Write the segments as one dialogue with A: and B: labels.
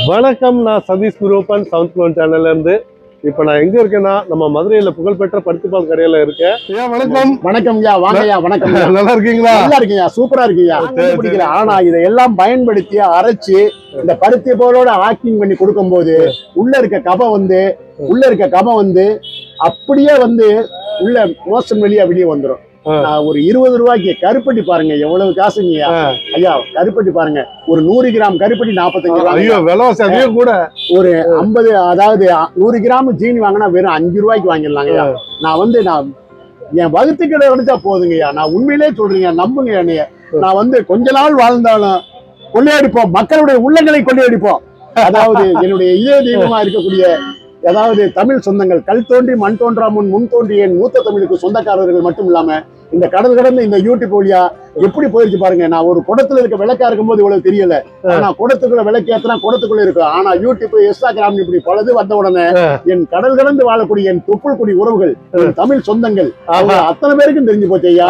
A: வணக்கம், நான் Satish குரூப்பன் south clone சேனல்ல இருந்து. இப்ப நான் எங்க இருக்கேன்னா நம்ம மதுரையில புகழ்பெற்ற பருத்திப்பால் கடையில இருக்கேன். ஐயா வணக்கம்.
B: வணக்கம் ஐயா, வாங்க ஐயா. வணக்கம்.
A: நல்லா இருக்கீங்களா?
B: நல்லா இருக்கீங்க, சூப்பரா இருக்கீங்க. பிடிக்கல, ஆனா இதெல்லாம் பயன்படுத்தி அரைச்சு இந்த பருத்தி போலோட ஆக்டிங் பண்ணி கொடுக்கும் போது உள்ள இருக்க கபம் வந்து அப்படியே வந்து உள்ள மோசம் வெளியே வெளியே வந்துடும். ஒரு 20 ரூபாய்க்கு கருப்பட்டி பாருங்க, எவ்வளவு காசுங்க ஐயா. கருப்பட்டி பாருங்க, ஒரு 100 கிராம் கருப்பட்டி 45 ரூபாய் கூட. ஒரு 50, அதாவது 100 கிராம் ஜீனி வாங்கினா வெறும் 5 ரூபாய்க்கு வாங்கிடலாங்க. நான் என் வகுத்துக்கிட்ட கிடைச்சா போதுங்கய்யா. நான் உண்மையிலே சொல்றீங்க, நம்புங்க என்னைய. நான் கொஞ்ச நாள் வாழ்ந்தாலும் கொள்ளையடிப்போம், மக்களுடைய உள்ளங்களை கொள்ளையடிப்போம். அதாவது என்னுடைய இதய தெய்வமா இருக்கக்கூடிய, அதாவது தமிழ் சொந்தங்கள், கல் தோன்றி மண் தோன்றா முன் தோன்றிய மூத்த தமிழுக்கு சொந்தக்காரர்கள் மட்டும் இல்லாம இந்த கடல் கடந்த இந்த யூடியூப் வழியா எப்படி போயிருச்சு பாருங்க. நான் ஒரு குடத்துல இருக்க விளக்கா இருக்கும்போது இவ்வளவு தெரியல, ஆனா குடத்துக்குள்ள விளக்கேத்தனா குடத்துக்குள்ள இருக்கும். ஆனா யூடியூப், இன்ஸ்டாகிராம் இப்படி பலது வந்த உடனே என் கடல் கடந்து வாழக்கூடிய என் தொப்புள் குடி உறவுகள், தமிழ் சொந்தங்கள் அத்தனை பேருக்கும் தெரிஞ்சு போச்சு ஐயா.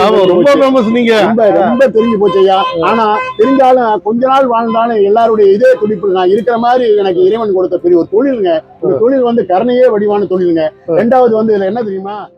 B: ரொம்ப தெரிஞ்சு போச்சு ஐயா. ஆனா தெரிஞ்சாலும் கொஞ்ச நாள் வாழ்ந்தாலும் எல்லாருடைய இதே துடிப்பு நான் இருக்கிற மாதிரி எனக்கு இறைவன் கொடுத்த பெரிய ஒரு தொழிலுங்க. இந்த தொழில் கருணையே வடிவான தொழிலுங்க. ரெண்டாவது இதுல என்ன தெரியுமா,